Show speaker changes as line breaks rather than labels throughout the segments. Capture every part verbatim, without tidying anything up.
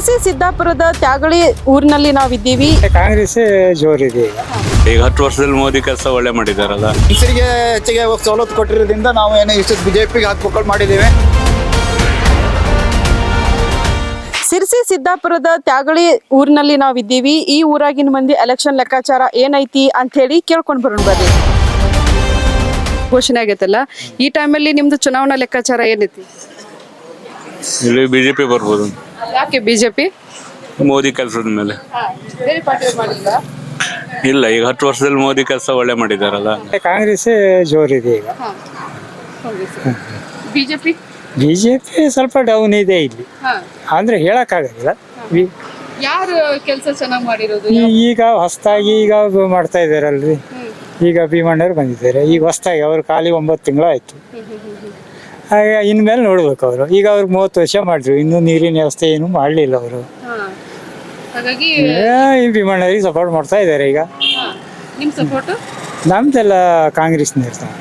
ಸಿರ್ಸಿ ಸಿದ್ದಾಪುರದ ತ್ಯಾಗಳಿ ಊರಿನಲ್ಲಿ ನಾವಿದ್ದೀವಿ.
ಕಾಂಗ್ರೆಸ್ ಜೋರಿದೆ ಈಗ.
ಈಗ ಹತ್ತು ವರ್ಷದಲ್ಲಿ ಮೋದಿ ಕೆಲಸ ಒಳ್ಳೆ ಮಾಡಿದಾರಲ್ಲ.
ಹೆಸರಿಗೆ ಹೆಚ್ಚಿಗೆ ಸವಲತ್ತು ಕೊಟ್ಟಿರೋದ್ರಿಂದ ನಾವು ಏನೋ ಇಷ್ಟು ಬಿಜೆಪಿಗೆ ಹಾಕ್ಬೇಕು ಮಾಡಿದ್ದೇವೆ.
ಸಿರ್ಸಿ ಸಿದ್ದಾಪುರದ ತ್ಯಾಗಳಿ ಊರಿನಲ್ಲಿ ನಾವಿದ್ದೀವಿ. ಈ ಊರಾಗಿನ ಮಂದಿ ಎಲೆಕ್ಷನ್ ಲೆಕ್ಕಾಚಾರ ಏನೈತಿ ಅಂತ ಹೇಳಿ ಕೇಳ್ಕೊಂಡ್ ಬರೋಣ ಬರ್ರಿ. ಘೋಷಣೆ ಆಗೈತಲ್ಲ, ಈ ಟೈಮಲ್ಲಿ ನಿಮ್ದು ಚುನಾವಣಾ ಲೆಕ್ಕಾಚಾರ ಏನೈತಿ?
ಇಲ್ಲಿ ಬಿಜೆಪಿ ಬರ್ಬೋದು.
ಯಾಕೆ ಬಿಜೆಪಿ?
ಮೋದಿ ಕೆಲಸದ ಮೇಲೆ. ಇಲ್ಲ, ಈಗ ಹತ್ತು ವರ್ಷದಲ್ಲಿ ಮೋದಿ ಕೆಲಸ ಒಳ್ಳೆ ಮಾಡಿದಾರಲ್ಲ.
ಕಾಂಗ್ರೆಸ್ ಜೋರಿದೆ ಈಗ.
ಬಿಜೆಪಿ
ಬಿಜೆಪಿ ಸ್ವಲ್ಪ ಡೌನ್ ಇದೆ ಇಲ್ಲಿ, ಅಂದ್ರೆ ಹೇಳಕ್ಕಾಗಲ್ಲ.
ಯಾರು ಕೆಲಸ ಚೆನ್ನಾಗಿ ಮಾಡಿರೋದು?
ಈಗ ಹೊಸದಾಗಿ ಈಗ ಮಾಡ್ತಾ ಇದಾರಲ್ರಿ, ಈಗ ಭೀಮಣ್ಣವ್ರು ಬಂದಿದ್ದಾರೆ. ಈಗ ಹೊಸದಾಗಿ ಅವ್ರು ಖಾಲಿ ಒಂಬತ್ತು ತಿಂಗಳು ಆಯ್ತು. ಹಾಗೆ ಇನ್ಮೇಲೆ ನೋಡ್ಬೇಕು ಅವರು. ಈಗ ಅವ್ರಿಗೆ ಮೂವತ್ತು ವರ್ಷ ಮಾಡಿದ್ರು, ಇನ್ನೂ ನೀರಿನ ವ್ಯವಸ್ಥೆ ಏನು ಮಾಡಲಿಲ್ಲ ಅವರು.
ಹಾಗಾಗಿ
ಈ ಭೀಮಣ್ಣವ್ರಿಗೆ ಸಪೋರ್ಟ್ ಮಾಡ್ತಾ ಇದ್ದಾರೆ ಈಗ.
ನಿಮ್ ಸಪೋರ್ಟ್?
ನಮ್ದೆಲ್ಲ ಕಾಂಗ್ರೆಸ್ನ ಇರ್ತಾರೆ.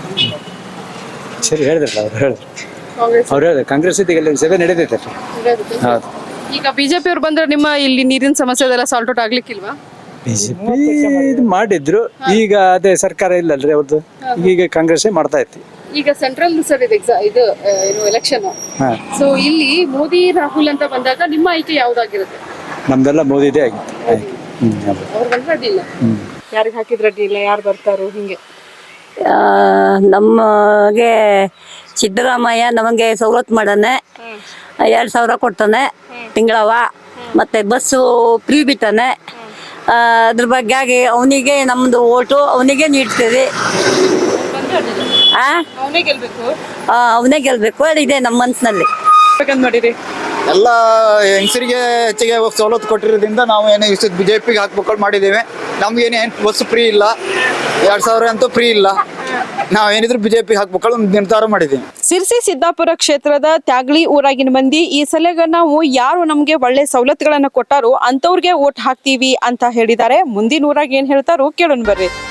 ಸರಿ ಹೇಳಿದ್ರಲ್ಲ ಅವ್ರು ಹೇಳಿದ್ರು ಅವ್ರು ಹೇಳಿದ್ರು ಕಾಂಗ್ರೆಸ್ ಈಗ ಸಭೆ ನಡೀತೈತೆ. ಹೌದು.
ಈಗ ಬಿಜೆಪಿ ಅವ್ರು ಬಂದ್ರೆ ನಿಮ್ಮ ಇಲ್ಲಿ ನೀರಿನ ಸಮಸ್ಯೆ ಅದೆಲ್ಲ ಸಾಲ್ಟ್ ಔಟ್ ಆಗ್ಲಿಕ್ಕಿಲ್ವಾ?
ಬಿಜೆಪಿ ಇದು ಮಾಡಿದ್ರು, ಈಗ ಅದೇ ಸರ್ಕಾರ ಇಲ್ಲಲ್ರಿ ಅವ್ರದ್ದು. ಈಗ ಕಾಂಗ್ರೆಸ್ ಮಾಡ್ತಾ ಇತ್ತು.
ಈಗ ಸೆಂಟ್ರಲ್ ಸರ್ ಇದು ಎಕ್ಸಾ ಇದು ಏನು ಎಲೆಕ್ಷನ್. ಸೊ ಇಲ್ಲಿ ಮೋದಿ ರಾಹುಲ್ ಅಂತ ಬಂದಾಗ ನಿಮ್ಮ ಆಯ್ಕೆ ಯಾವ್ದಾಗಿರುತ್ತೆ?
ನಮ್ದೆಲ್ಲ ಮೋದಿದೇ ಆಗಿತ್ತು.
ಅವ್ರು ಬಂದ್ರೆ ಅಡ್ಡಿಲ್ಲ, ಯಾರಿಗೆ ಹಾಕಿದ್ರೆ ಅಡ್ಡಿಲ್ಲ, ಯಾರು ಬರ್ತಾರೋ ಹಿಂಗೆ.
ನಮಗೆ ಸಿದ್ದರಾಮಯ್ಯ ನಮಗೆ ಸವಲತ್ತು ಮಾಡಾನೆ, ಎರಡು ಸಾವಿರ ಕೊಡ್ತಾನೆ ತಿಂಗಳವ, ಮತ್ತೆ ಬಸ್ಸು ಫ್ರೀ ಬಿಟ್ಟಾನೆ. ಅದ್ರ ಬಗ್ಗೆ ಆಗಿ ಅವನಿಗೆ ನಮ್ಮದು ಓಟು ಅವನಿಗೆ ನೀಡ್ತೇವೆ.
ಅವನೇ ಗೆಲ್ಬೇಕು,
ಅವನೇ ಗೆಲ್ಬೇಕು ಇದೆ ನಮ್ಮ ಮನಸ್ಸಿನಲ್ಲಿ.
ಮಾಡಿರಿ
ಎಲ್ಲ ಹೆಂಗಸರಿಗೆ ಹೆಚ್ಚಿಗೆ ಸವಲತ್ತು ಕೊಟ್ಟಿರೋದ್ರಿಂದ ನಾವು ಏನೋ ಇಷ್ಟು ಬಿಜೆಪಿಗೆ ಹಾಕ್ಬೇಕು ಮಾಡಿದ್ದೇವೆ. ನಮ್ಗೇನು ಬಸ್ ಫ್ರೀ ಇಲ್ಲ, ಎರಡು ಸಾವಿರ ಅಂತೂ ಫ್ರೀ ಇಲ್ಲ. ನಾವೇನಿದ್ರು ಬಿಜೆಪಿ ಹಾಕ್ಬೇಕು ನಿರ್ಧಾರ ಮಾಡಿದ್ದೀವಿ.
ಸಿರ್ಸಿ ಸಿದ್ದಾಪುರ ಕ್ಷೇತ್ರದ ತ್ಯಾಗಳಿ ಊರಾಗಿನ ಮಂದಿ ಈ ಸಲಗ ನಾವು ಯಾರು ನಮ್ಗೆ ಒಳ್ಳೆ ಸವಲತ್ತುಗಳನ್ನ ಕೊಟ್ಟಾರೋ ಅಂತವ್ರಿಗೆ ಓಟ್ ಹಾಕ್ತೀವಿ ಅಂತ ಹೇಳಿದ್ದಾರೆ. ಮುಂದಿನ ಊರಾಗ ಏನ್ ಹೇಳ್ತಾರೋ ಕೇಳೋಣ ಬರ್ರಿ.